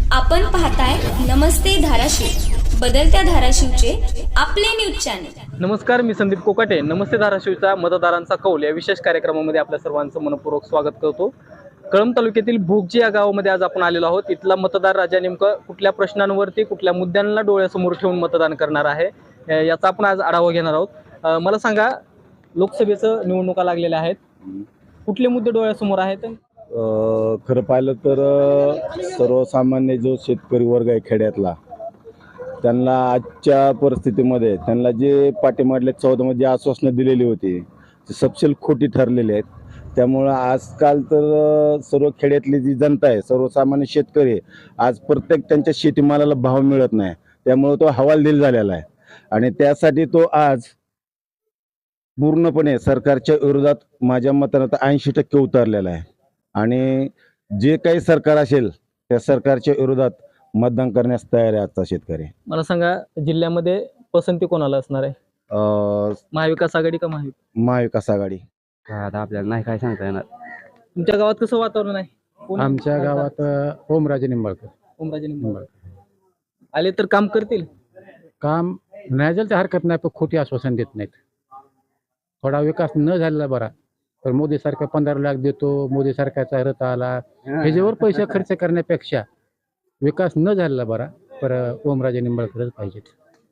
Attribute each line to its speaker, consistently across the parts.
Speaker 1: आपण पाहताय नमस्ते धाराशिव, बदलत्या धाराशिवचे आपले न्यूज चॅनल।
Speaker 2: नमस्कार, मी संदीप कोकाटे। नमस्ते धाराशिवचा मतदारांचा कौल या विशेष कार्यक्रमामध्ये आपल्या सर्वांचं मनपूर्वक स्वागत करतो। कळंब तालुक्यातील भोगजी या गावामध्ये आज आपण आलेलो आहोत। इथला मतदार राजा नेमका कुठल्या प्रश्नांवरती कुठल्या मुद्द्यांना डोळ्यासमोर ठेवून मतदान करणार आहे याचा आपण आज आढावा घेणार आहोत। मला सांगा, लोकसभेचं निवडणुका लागलेल्या आहेत, कुठले मुद्दे डोळ्यासमोर आहेत?
Speaker 3: खरं पाहिलं तर सर्वसामान्य जो शेतकरी वर्ग आहे खेड्यातला, त्यांना आजच्या परिस्थितीमध्ये त्यांना जे पाठीमागल्या 14 मध्ये आश्वासनं दिलेली होती ते सपशेल खोटी ठरलेली आहेत। त्यामुळं आजकाल तर सर्व खेड्यातली जी जनता आहे, सर्वसामान्य शेतकरी, आज प्रत्येक त्यांच्या शेतीमालाला भाव मिळत नाही, त्यामुळे तो हवालदिल झालेला आहे आणि त्यासाठी तो आज पूर्णपणे सरकारच्या विरोधात माझ्या मतानं 80% उतरलेला आहे आणि जे काही सरकार असेल त्या सरकारच्या विरोधात मतदान करण्यास तयार आहे आजचा शेतकरी।
Speaker 2: मला सांगा, जिल्ह्यामध्ये पसंती कोणाला असणार आहे? महाविकास आघाडी का
Speaker 3: महाविकास आघाडी?
Speaker 4: आता आपल्याला नाही काय सांगता येणार।
Speaker 2: तुमच्या गावात कसं वातावरण आहे?
Speaker 5: आमच्या गावात ओमराजे निंबाळकर
Speaker 2: ओमराजे निंबाळकर आले तर काम करतील?
Speaker 5: काम नाही झालं तर हरकत नाही, पण खोटी आश्वासन देत नाहीत। थोडा विकास न झालेला बरा, तर मोदी सरकार 15 लाख देतो, मोदी सरकारचा रथ आला, ह्याच्यावर पैसे खर्च करण्यापेक्षा विकास न झालेला बरा, पर ओमराजे निंबाळकरच पाहिजेत।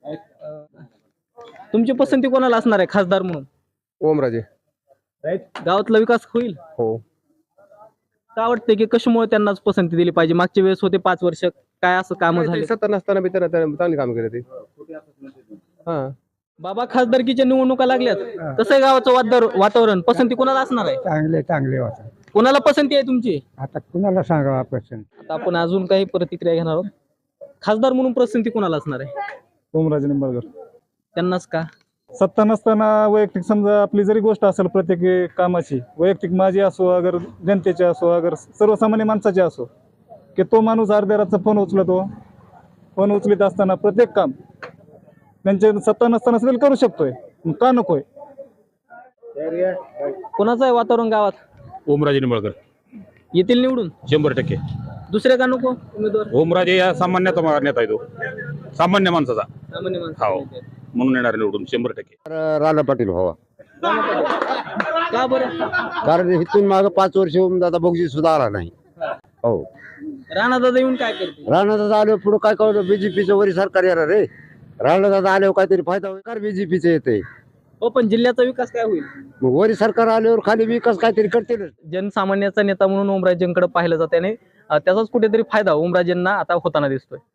Speaker 2: तुमची पसंती कोणाला असणार आहे खासदार म्हणून?
Speaker 6: ओमराजे।
Speaker 2: गावातला विकास होईल?
Speaker 6: हो।
Speaker 2: का वाटतंय की कशामुळे त्यांनाच पसंती दिली पाहिजे? मागच्या वेळेस होते 5 वर्ष, काय असं काम झाले?
Speaker 6: सत्ता नसताना बी त्यानं चांगली काम केली ती। हा
Speaker 2: बाबा, खासदारकीच्या निवडणुका लागल्यात, कसं आहे गावाचं वातावरण? पसंती कोणाला असणार आहे?
Speaker 5: चांगले होता।
Speaker 2: कोणाला पसंती आहे तुमची?
Speaker 5: आता कुणाला सांगावं आपण?
Speaker 2: आता आपण अजून काही प्रतिक्रिया घेणार आहोत। खासदार म्हणून पसंती कोणाला असणार आहे?
Speaker 7: ओमराजे निंबाळकर।
Speaker 2: त्यांनाच का?
Speaker 7: सत्ता नसताना वैयक्तिक समजा आपली जरी गोष्ट असेल प्रत्येक कामाची, वैयक्तिक माझी असो अगर जनतेची असो अगर सर्वसामान्य माणसाची असो, की तो माणूस अर्ध्या रातचा फोन उचलत असताना प्रत्येक काम त्यांच्या सत्ता नसताना सुद्धा करू शकतोय, का नकोय?
Speaker 2: कोणाचं आहे वातावरण गावात?
Speaker 8: ओमराजे निंबाळकर
Speaker 2: येतील निवडून
Speaker 8: 100%।
Speaker 2: दुसरे का नको उमेदवार?
Speaker 8: ओमराजे या सामान्य नेता आहे, तो सामान्य माणसाचा,
Speaker 2: सामान्य माणसं.
Speaker 8: हो, म्हणून येणार निवडून 100%।
Speaker 4: राणा पाटील व्हावा,
Speaker 2: का बरं?
Speaker 4: कारण इथून मागे 5 वर्ष होऊन दादा बघजी सुद्धा आला नाही। हो,
Speaker 2: राणा दादा येऊन काय करते?
Speaker 4: राणा दादा आल्यावर पुढे काय कळलं? बीजेपीचं वरी सरकार येणार रे। राणा दादा आल्यावर काहीतरी फायदा होईल का? बीजेपीचं येते,
Speaker 2: हो, पण जिल्ह्याचा विकास काय होईल?
Speaker 4: मग वरी सरकार आल्यावर खाली विकास काहीतरी करतील।
Speaker 2: जनसामान्याचा नेता म्हणून ओमराजेंकडे पाहिलं जाते आणि त्याचाच कुठेतरी फायदा ओमराजेंना आता होताना दिसतोय।